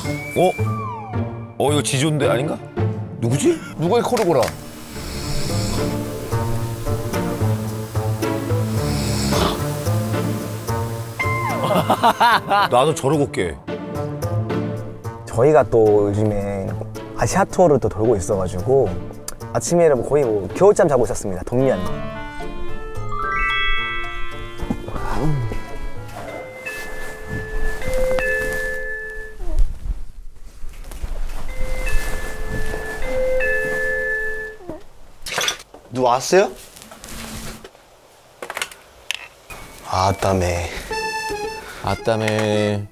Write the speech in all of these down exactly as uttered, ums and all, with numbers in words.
어? 어 이거 지존데 아닌가? 누구지? 누가 이 코를 골아? 나도 저러고 깨. 저희가 또 요즘에 아시아 투어를 또 돌고 있어가지고 아침에 거의 뭐 겨울잠 자고 있었습니다. 동면. 누구 왔어요? 아따매. 아따매.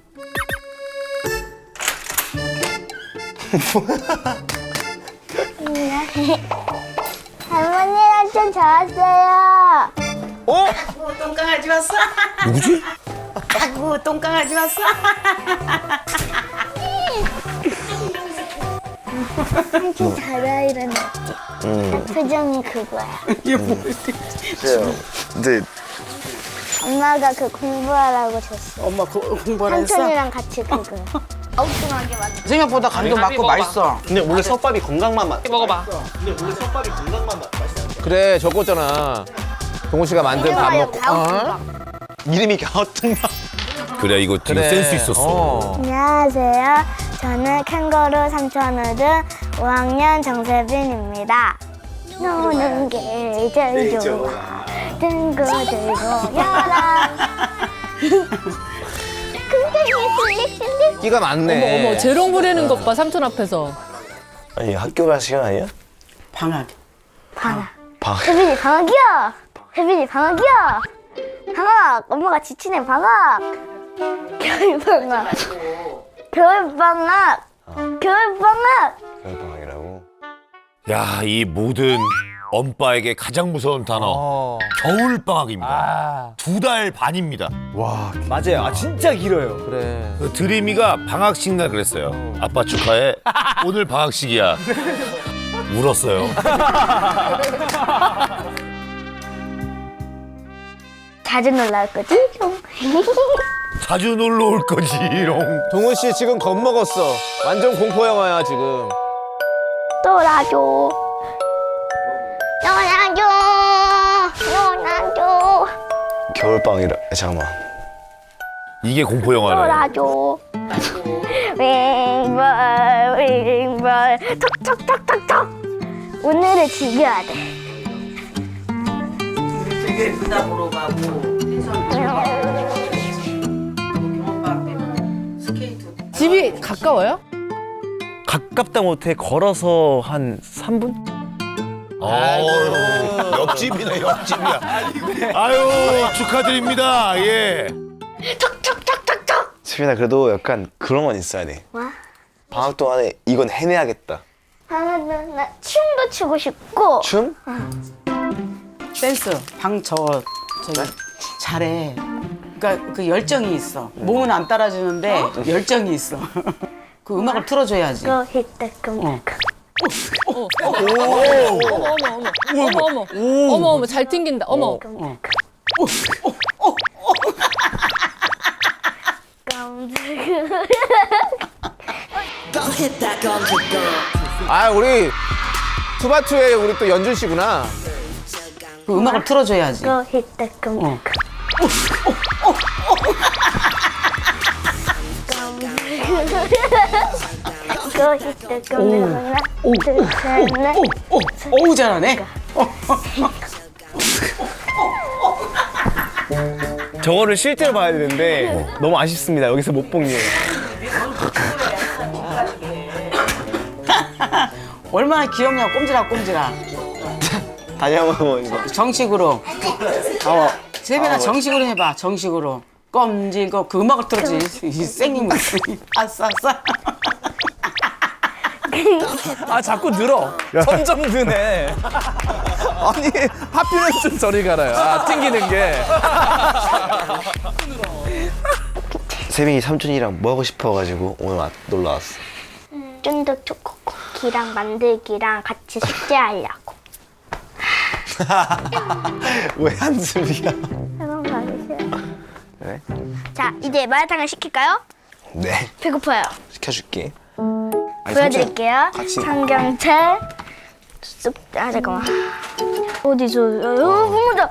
할머니랑 좀 좋았어요. 어? 아구 똥강아지 왔어. 누구지? 아구 똥강아지 왔어. 한참 잘해 이런 느낌. 표정이 그거야. 그래요. 근데 엄마가 그 공부하라고 줬어. 엄마 그, 공부를 했어. 삼촌이랑 같이 그거. 엉뚱하게 만들어. 생각보다 간도 맞고 맛있어. 근데 원래 솥밥이 건강만 맛. 먹어봐. 그래 적었잖아. 동훈 씨가 만든 밥 먹고. 어? 이름이 갸우뚱밥. 그래 이거 되게 그래. 센스 있었어. 어. 안녕하세요. 저는 캥거루 삼촌우등 오 학년 정세빈입니다. 노는 게 제일 좋아. 등고 들고 열어. 궁뎅이 슬릭슬릭. 끼가 많네. 어머 어머 재롱 부리는 것 봐 삼촌 앞에서. 아니 학교 갈 시간 아니야? 방학. 방학. 방학. 혜빈이 방학이야. 혜빈이 방학이야. 방학. 엄마가 지치네 방학. 겨울 방학. 겨울 방학. 겨울 방학. 겨울방학이라고. 야, 이 모든 엄빠에게 가장 무서운 단어 어. 겨울 방학입니다. 아 두 달 반입니다. 맞아요. 아 진짜 길어요. 그래. 그 드림이가 방학식 날 그랬어요. 아빠 축하해. 오늘 방학식이야. 울었어요. 자주 놀러 올 거지? 자주 놀러 올 거지롱. 동훈 씨 지금 겁먹었어. 완전 공포 영화야 지금. 놀아줘. 놀아줘. 놀아줘. 겨울방학이라. 잠깐만. 이게 공포 영화네. 놀아줘. 윙벌 윙벌 톡톡톡톡톡. 오늘을 즐겨야 돼. 되게 부담으로 가고. 스케이트. 집이 가까워요? 가깝다 못해 걸어서 한 삼 분? 아유, 옆집이네, 옆집이야. 아유, 축하드립니다. 예. 수빈아 그래도 약간 그런 건 있어야 돼. 와. 방학 동안에 이건 해내야겠다. 아, 나, 나 춤도 추고 싶고. 춤? 댄스. 방 저 저기 잘해. 그러니까 그 열정이 있어. 몸은 안 따라주는데 열정이 있어. 그 음악을 틀어줘야지. 고 히트끔. 어. 어머 어머 어머 어머 어머 어머 어머 잘 튕긴다. 어머. 어. 아 우리 투바투의 우리 또 연준 씨구나. 그 음악을 틀어줘야지. 고 히트끔. 어. 고 히트끔. 하나, 둘, 셋, 넷. 오, 오, 오우 잘하네. 저거를 실제로 봐야 되는데 너무 아쉽습니다. 여기서 못 본 게. 얼마나 귀엽냐, 꼼지락 꼼지락. 다시 한번 이거. 정식으로. 어, 세빈아 정식으로 해봐. 정식으로. 꼼지고 그 음악을 틀어지. 이 생긴 거. 아싸 아싸. 아 자꾸 늘어. 점점 드네. 아니 하필은 좀 저리 가라요. 아 튕기는 게. 세빈이 삼촌이랑 뭐 하고 싶어가지고 오늘 와, 놀러 왔어. 쫀득 초코 쿠키랑 만들기랑 같이 숙제하려고. 왜 한숨이야? 한번 가주세요. 그래? 자, 이제 마라탕을 시킬까요? 네. 배고파요. 시켜줄게. 보여드릴게요. 같이. 삼겹살. 쑥, 아, 잠깐만. 어디서, 어, 고무다.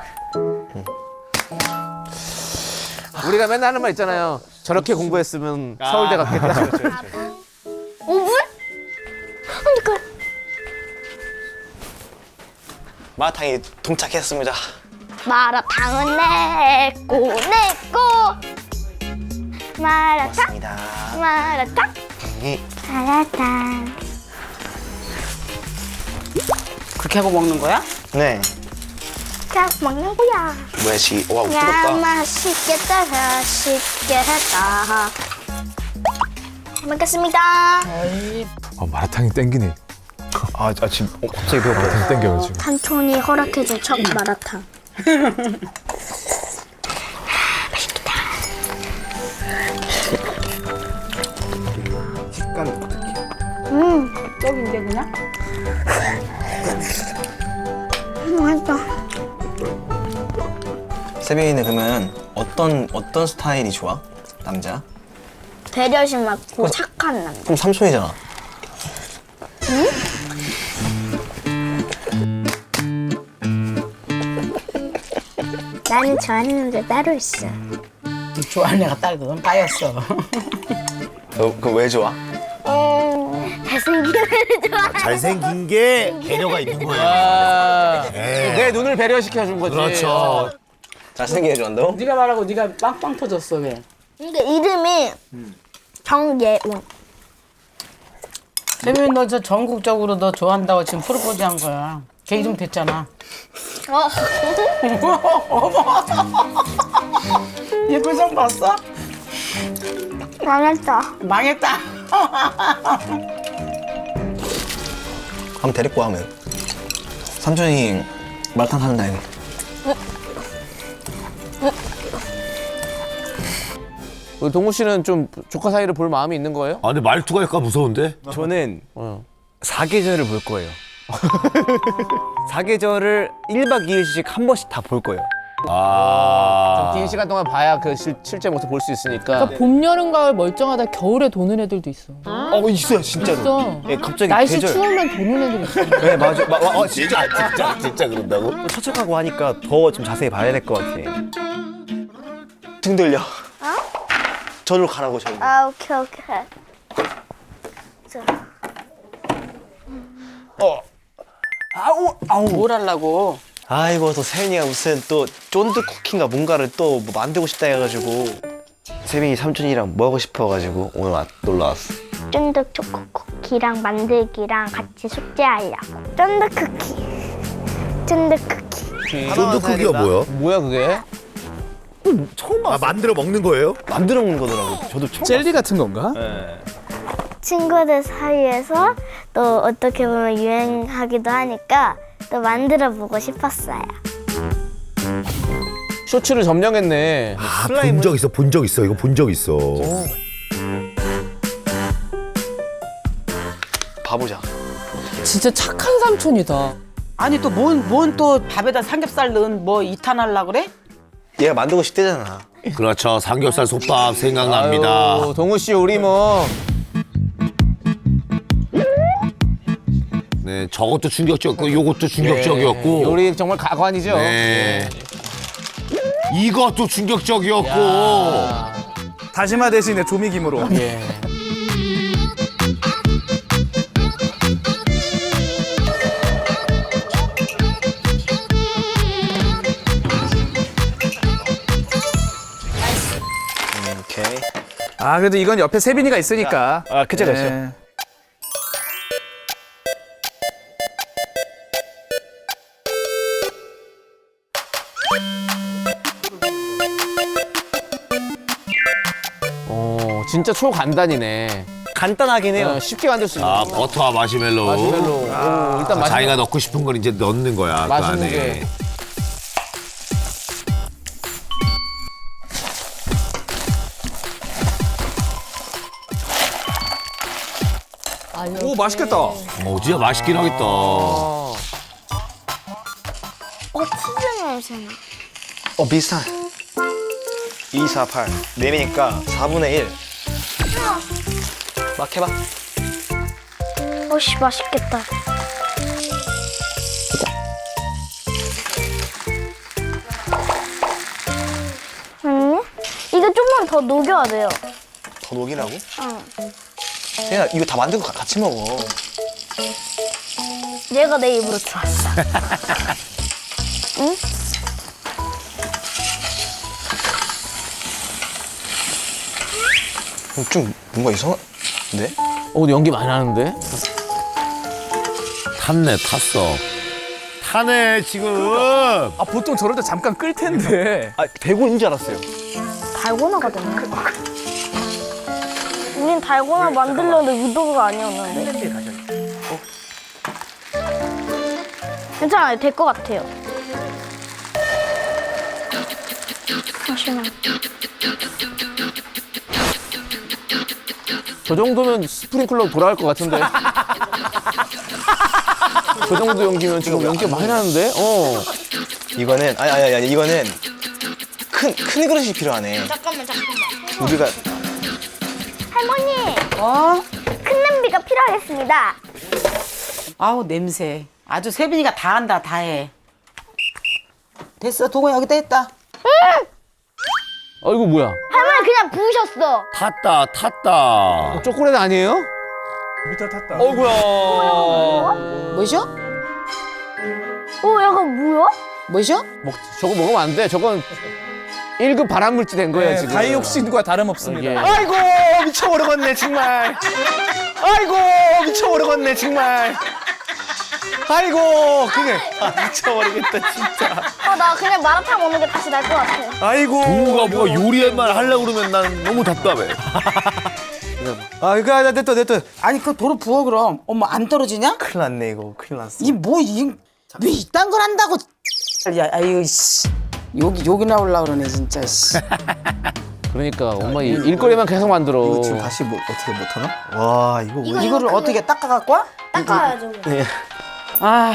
우리가 맨날 하는 말 있잖아요. 저렇게 공부했으면 서울대 갔겠다. 오 분? 그러니까. 마라탕이 동착했습니다. 마라탕은 내꺼, 내꺼. 마라탕, 맞습니다. 마라탕, 예. 마라탕. 그렇게 하고 먹는 거야? 네. 자, 먹는 거야. 뭐야 지? 와 야, 뜨겁다. 맛있겠다, 맛있겠다. 잘 먹겠습니다. 아, 마라탕이 땡기네. 아, 아 지금 어, 갑자기 배고파. 마라탕 땡겨요 지금. 삼촌이 허락해준 첫 마라탕. 떡인데 그냥? 맛있다. 세빈이는 그러면 어떤 어떤 스타일이 좋아? 남자? 배려심 많고 착한 남자. 그럼 삼촌이잖아. 나는 좋아하는 남자 따로 있어. 좋아하는 애가 딸 그건 빠였어. 너 그거 왜 좋아? 음, 잘생긴 애를 좋아. 잘생긴 게 배려가 있는 거예요. 아, 네. 내 눈을 배려시켜 준 거지. 그렇죠. 잘생긴 애 좋아한다고? 네가 말하고 네가 빵빵 터졌어 왜? 그러니까 이름이 정예원. 세빈이 너 저 전국적으로 너 좋아한다고 지금 프로포즈 한 거야. 걔 이름 됐잖아. 어. 얘 표정 봤어? 망했다. 망했다. 한번 데리고 와, 하면. 삼촌이 마라탕 사는 날. 우리 동우 씨는 좀 조카 사이를 볼 마음이 있는 거예요? 아 근데 말투가 약간 무서운데? 저는 사계절을 볼 거예요. 사계절을 일 박 이 일씩 한 번씩 다 볼 거예요. 아. 긴 시간 동안 봐야 그 실, 실제 모습 볼 수 있으니까. 그러니까 봄, 여름, 가을 멀쩡하다 겨울에 도는 애들도 있어. 어 있어요 진짜로. 있어. 예, 갑자기 날씨 계절. 추우면 도는 애들 있어. 네 맞아. 마, 마, 어, 진짜 진짜 진짜 그런다고? 또 처척하고 하니까 더 좀 자세히 봐야 될 것 같아. 등 돌려. 저리로 가라고, 저리로. 아, 오케이, 오케이. 자. 뭘 하려고? 아이고, 또 세빈이가 무슨 또 쫀득 쿠키인가 뭔가를 또 뭐 만들고 싶다 해가지고. 세빈이 삼촌이랑 뭐 하고 싶어가지고 오늘 와, 놀러 왔어. 쫀득 초코 쿠키랑 만들기랑 같이 숙제하려고. 쫀득 쿠키. 쫀득 쿠키. 쫀득 크기가 뭐야? 뭐야 그게? 아 만들어 먹는 거예요? 만들어 먹는 거더라고. 저도 처음 젤리 같은 건가? 친구들 사이에서 또 어떻게 보면 유행하기도 하니까 또 만들어 보고 싶었어요. 쇼츠를 점령했네. 아 본 적 있어 본 적 있어 이거 본 적 있어. 봐보자. 진짜 착한 삼촌이다. 아니 또 뭔 뭔 또 밥에다 삼겹살 넣은 뭐 이탄 하려 그래? 얘가 만들고 싶대잖아. 그렇죠 삼겹살 솥밥 생각납니다. 아유, 동우 씨 우리 뭐 네 저것도 충격적이었고 요것도 충격적이었고. 요리 정말 가관이죠. 네. 이것도 충격적이었고. 다시마 대신에 조미김으로. 예. 오케이. 아 그래도 이건 옆에 세빈이가 있으니까. 아 그쵸 그쵸. 네. 어 진짜 초간단이네. 간단하긴 해요. 어, 쉽게 만들 수 있는. 아 거. 버터와 마시멜로우. 마시멜로. 오, 일단 마시멜로. 자기가 넣고 싶은 걸 이제 넣는 거야 그 맛있는 안에. 게. 오 맛있겠다. 어 진짜 맛있긴 하겠다. 어. 어, 치즈 냄새나. 어, 비슷한. 이, 사, 팔. 네 배니까 사분의 일. 막 해봐. 어씨 맛있겠다. 음, 이거 좀만 더 녹여야 돼요. 더 녹이라고? 응. 세빈아 이거 다 만들고 가- 같이 먹어. 얘가 내 입으로 들어왔어. 응? 어, 좀 뭔가 이상한데? 어, 근데 연기 많이 나는데? 탔네, 탔어. 타네, 지금. 아, 보통 저럴 때 잠깐 끌 텐데. 아 대구인 줄 알았어요. 달고나가 됐네. 우린 달고나 만들려는데 의도가 아니었는데. 괜찮아요. 될 것 같아요. 잠시만. 저 정도면 스프링클러 돌아갈 것 같은데. 저 정도 연기면 지금 연기 많이 나는데? 어. 이거는 아니 아니 아니 이거는 큰 큰 그릇이 필요하네. 잠깐만, 잠깐만. 우리가 할머니, 어? 큰 냄비가 필요하겠습니다. 아우 냄새. 아주 세빈이가 다 한다 다 해. 됐어 도구 여기다 했다. 아이고, 뭐야. 할머니 그냥 부으셨어. 탔다, 탔다. 초콜릿 아니에요? 밑에 탔다. 어이구야. 뭐죠? 어, 약간 뭐야? 뭐죠? 먹, 저거 먹으면 안 돼. 저건 일 급 발암물질 된 거예요, 지금. 다이옥신과 다름없습니다. 이게. 아이고 미쳐버리겠네 정말. 아이고 미쳐버리겠네 정말. 아이고 그게 아, 미쳐버리겠다 진짜. 아, 나 그냥 마라탕 먹는 게 다시 날 것 같아. 아이고. 동우가 뭐가 요리만 하려고 그러면 난 너무 답답해. 아 이거 나 됐다 됐다. 아니 그 도로 부어 그럼. 어머 안 떨어지냐? 큰일 났네 이거 큰일 났어. 이 뭐 이 왜 이딴 걸 한다고? 야 아유 씨 여기 여기 나올라 그러네 진짜 씨. 그러니까 엄마 이 일거리만 계속 만들어. 이거 지금 다시 뭐 어떻게 못하나? 와 이거 왜? 이거를 어떻게 닦아 갖고 와? 닦아야죠. 아.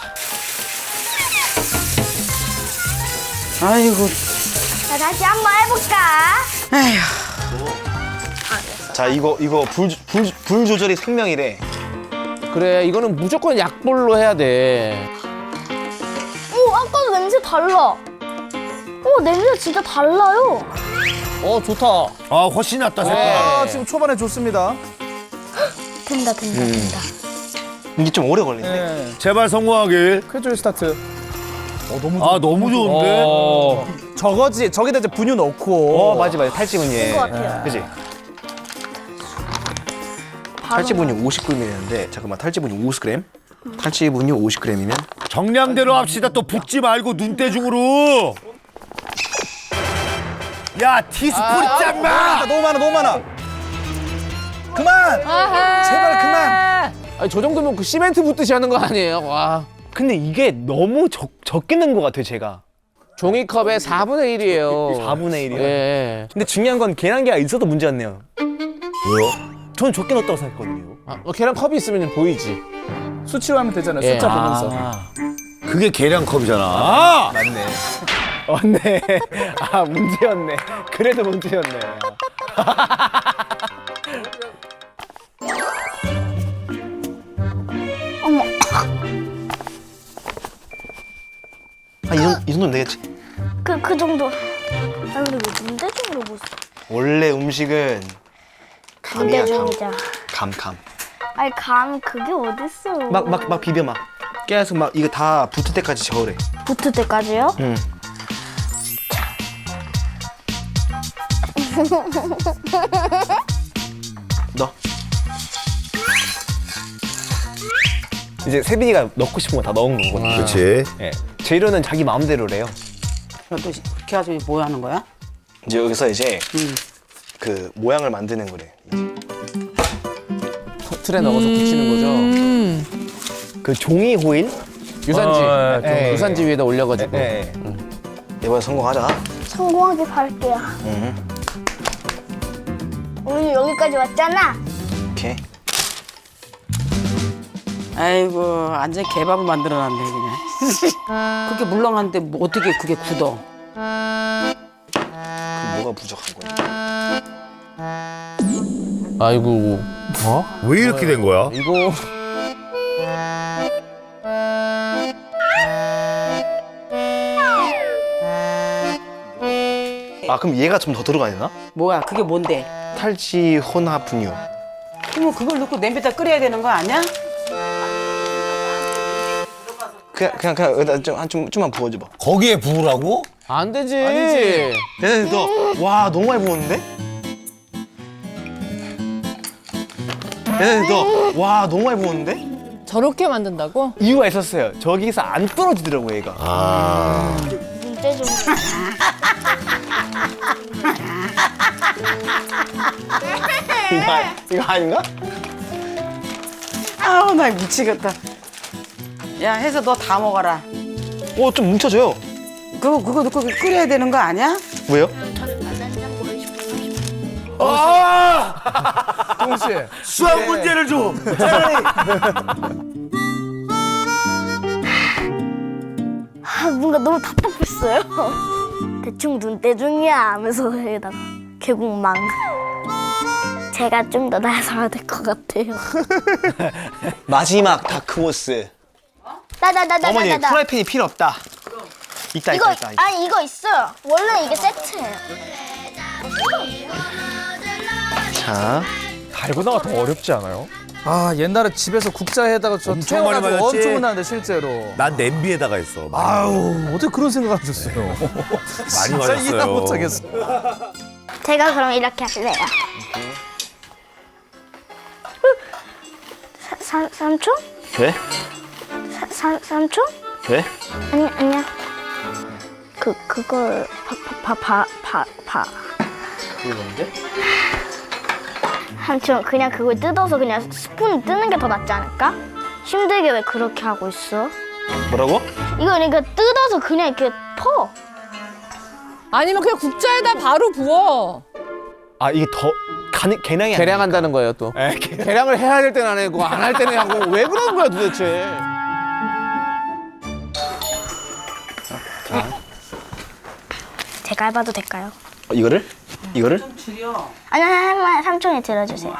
아이고. 자, 다시 한번 해볼까? 에휴. 자 이거 이거 불, 불, 불 조절이 생명이래. 그래, 이거는 무조건 약불로 해야 돼. 오, 아까도 냄새 달라. 오, 냄새 진짜 달라요. 어, 좋다. 아, 훨씬 낫다, 색깔. 아, 지금 초반에 좋습니다. 된다, 된다, 된다. 이게 좀 오래 걸리네. 네. 제발 성공하길. 쾌줄 스타트. 아, 너무 좋은데? 어. 저거지. 저기다 이제 분유 넣고. 어 맞지 맞지 탈지분유. 것 같아요. 그지? 탈지분유 오십 그램이었는데 잠깐만 탈지분유 오십 그램. 탈지분유 오십 그램이면 정량대로 합시다. 또 붓지 말고 눈대중으로. 야, 티스푼 짱마! 너무 많아, 너무 많아. 그만! 제발 그만! 아니, 저 정도면 그 시멘트 붓듯이 하는 거 아니에요? 와. 근데 이게 너무 적, 적게 넣은 것 같아요 제가. 종이컵의 사분의 일이에요. 사분의 일이요? 예. 근데 중요한 건 계란기가 있어도 문제였네요. 왜요? 저는 적게 넣었다고 생각했거든요. 아, 어, 계란 컵이 있으면 보이지. 수치로 하면 되잖아요. 예. 숫자 보면서. 아, 그게 계량컵이잖아. 아! 맞네. 맞네. 아 문제였네. 그래도 문제였네. 어머, 아, 이, 정도, 이 정도면 되겠지. 그, 그 정도. 아, 근데 왜 문대중으로 못 써? 원래 음식은 감이야 감. 문대중이자. 감 감. 아니, 감, 그게 어딨어. 막 막 막 비벼 막. 계속 막 이거 다 붙을 때까지 저으래. 붙을 때까지요? 응. 넣어. 이제 세빈이가 넣고 싶은 거 다 넣은 거거든요. 그렇지. 예. 재료는 자기 마음대로래요. 너 그렇게 해가지고 뭐 하는 거야? 이제 여기서 이제 응. 그 모양을 만드는 거래. 틀에 넣어서 붙이는 거죠. 그 종이 호일? 유산지. 어, 좀 예, 예. 유산지 위에다 올려가지고. 네. 이번에 성공하자. 성공하길 바랄게요. 응. 우리 여기까지 왔잖아. 오케이. 아이고 완전 개밥을 만들어놨네 그냥. 그렇게 물렁한데 뭐 어떻게 그게 굳어? 그 뭐가 부족한 거야? 아이고. 왜 이렇게 된 거야? 이거 아 그럼 얘가 좀 더 들어가야 되나? 뭐야 그게 뭔데? 탈지 혼합 분유. 그러면 그걸 넣고 냄비에다 끓여야 되는 거 아니야? 그냥 그냥 그냥 여기다 좀, 한 좀, 좀만 부어줘봐. 거기에 부으라고? 안 되지. 아니지. 얘네 너와 너무 많이 부었는데? 얘네 너와 너무 많이 부었는데? 저렇게 만든다고? 이유가 있었어요. 저기서 안 떨어지더라고 얘가. 아. 문제 좀. 이거, 아- 이거 아닌가? 아우 나 미치겠다. 야 해서 너 다 먹어라. 어 좀 뭉쳐져요. 그거 그거 넣고 끓여야 되는 거 아니야? 왜요? 동훈 씨. 수학 문제를 줘. 아, 뭔가 너무 답답했어요. 대충 눈대중이야 하면서 여기다가 결국 망. 제가 좀 더 나서야 될 것 같아요. 마지막 다크호스. 나나나나나나. 어머니 프라이팬이 필요 없다. 있다 이거 있다 있다. 있다. 아니 이거 있어요. 원래 이게 세트예요. 자, 달고나가 더 어렵지 않아요? 아 옛날에 집에서 국자에다가 저 엄청 많이 태워가지고 맞았지? 엄청 나는데 실제로. 난 냄비에다가 했어. 아유 어떻게 그런 생각을 하셨어요? 많이 진짜 맞았어요. 이해 못하겠어. 제가 그럼 이렇게 할래요. 사, 사, 삼촌? 돼? 사, 사, 삼촌? 돼? 아니 아니야. 그 그걸 파파파파파 그게 뭔데? 삼촌 그냥 그걸 뜯어서 그냥 스푼 뜨는 게 더 낫지 않을까? 힘들게 왜 그렇게 하고 있어? 뭐라고? 이거 그러니까 뜯어서 그냥 이렇게 퍼. 아니면 그냥 국자에다 바로 부어. 아 이게 더 가능 개량이 아니야. 계량한다는 거예요 또. 계량을 해야 될 때는 안 하고 안 할 때는 하고 왜 그러는 거야 도대체? 제가 해봐도 될까요? 어, 이거를? 이거를? 줄여. 아니 아니 아니 삼촌이 들어주세요.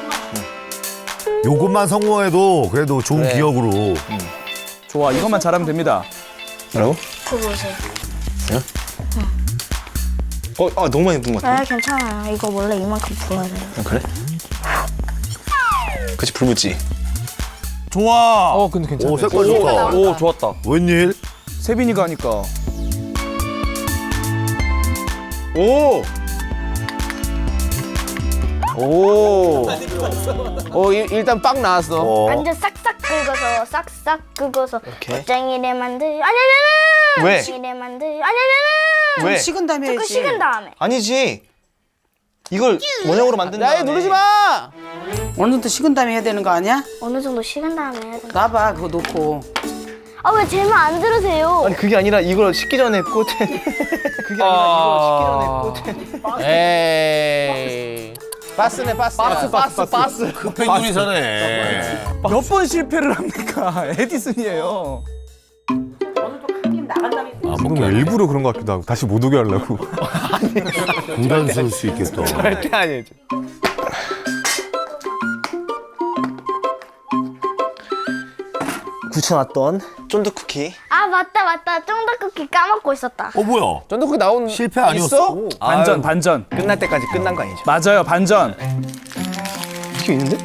요것만 성공해도 그래도 좋은 그래. 기억으로. 좋아, 이것만 잘하면 됩니다. 뭐라고? 그거 보세요. 어, 아 너무 많이 부은 것 같아. 아 괜찮아요. 이거 원래 이만큼 부어야 돼요. 아, 그래? 그치 불 붙지. 좋아. 어 근데 괜찮아. 오 색깔 좋다. 오 좋았다. 웬일? 세빈이가 하니까. 오. 오. 어 일, 일단 빵 나왔어. 어. 완전 싹싹 긁어서 싹싹 긁어서 오케이. 짱이래 만들. 아니 아니 아니. 왜? 짱이래 만들. 아니 아니 아니. 왜? 식은 다음에 조금 해야지. 식은 다음에. 아니지. 이걸 원형으로 만든 야얘 다음에. 누르지 마. 어느 정도 식은 다음에 해야 되는 거 아니야? 어느 정도 식은 다음에 해야 된다. 놔봐 그거 놓고. 아 왜 제 말 안 들으세요? 아니 그게 아니라 이걸 식기 전에 꽂은. 그게 아니라 이걸 식기 전에 꽂은. 에이. 바스네 바스. 바스 바스 바스. 급행 요리사네. 몇 번 실패를 합니까? 에디슨이에요. 아, 뭔가 일부러 그런 것 같기도 하고 다시 못 오게 하려고. 부담스러울 수 있겠다. 절대 아니지. 굳혀놨던 쫀득 쿠키. 아 맞다 맞다. 쫑닭쿠키 까먹고 있었다. 어 뭐야? 쫀득쿠키 나온 실패 아니었어? 반전, 반전. 끝날 때까지 끝난 거 아니죠? 맞아요, 반전. 이게 있는데?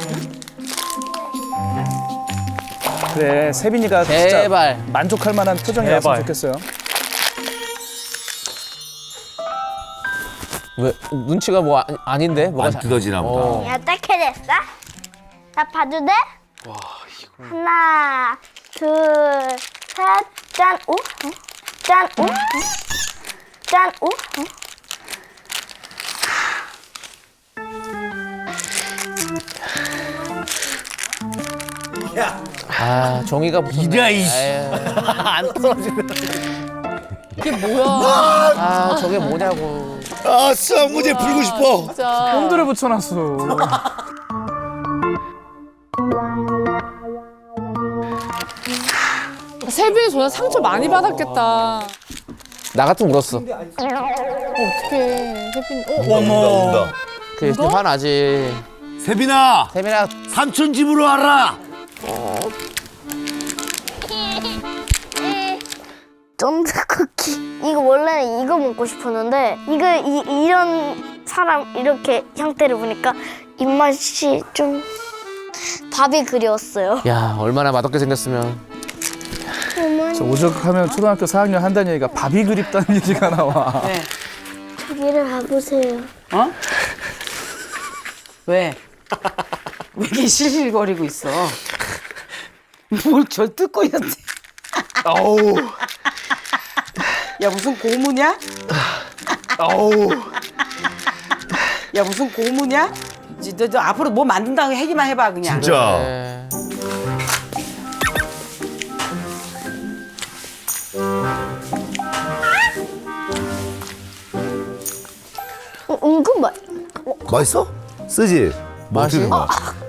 그래, 세빈이가 제발. 진짜 만족할 만한 표정이 나왔으면 좋겠어요. 왜 눈치가 뭐 아, 아닌데? 뭐가 안 뜯어지나 보다. 어. 야 어떻게 됐어? 나 봐도 돼? 와 이거. 하나 둘셋 짠. 오? 어? 짠. 오? 어? 짠. 오? 어? 아 종이가 무슨 이랴, 이씨. 안 떨어지네. 이게 뭐야? 아 저게 뭐냐고. 아 수학 문제 풀고 싶어. 진짜. 홈들을 붙여놨어. 세빈이 전에 상처 많이 받았겠다. 나 같으면 울었어. 어, 어떡해. 세빈이. 어, 어머. 그 화나지. 세빈아, 세빈아 삼촌 집으로 와라. 쫀득 쿠키. 이거 원래는 이거 먹고 싶었는데 이거 이, 이런 사람 이렇게 형태를 보니까 입맛이 좀 밥이 그리웠어요. 야 얼마나 맛없게 생겼으면. 어머니 저 오죽하면 초등학교 사 학년 한다는 얘기가 밥이 그립다는 얘기가 나와. 네. 저기를 봐보세요. 어? 왜? 왜 이렇게 실실거리고 있어? 뭘 저 뜯고 있는데? 아우. 야 무슨 고무냐? 아우. 야 무슨 고무냐? 이제 너, 너 앞으로 뭐 만든다고 얘기만 해봐 그냥. 진짜. 네. 어, 은근 맛. 맛있어? 쓰지? 뭐 맛이? 어떻게 된 거야?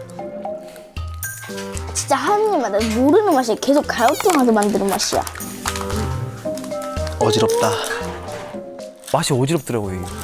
진짜 하느님 맛. 모르는 맛이 계속 가요통하게 만드는 맛이야. 어지럽다. 맛이 어지럽더라고요. 이게.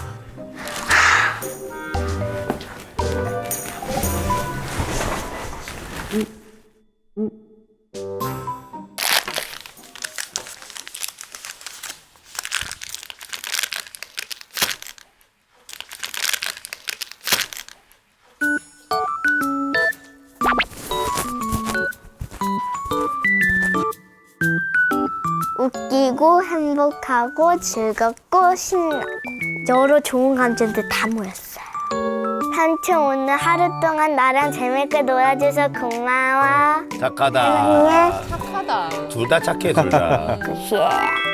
웃기고 행복하고 즐겁고 신나고 여러 좋은 감정들 다 모였어요. 삼촌 오늘 하루 동안 나랑 재밌게 놀아줘서 고마워. 착하다. 사랑해. 착하다. 둘 다 착해, 둘 다. 예.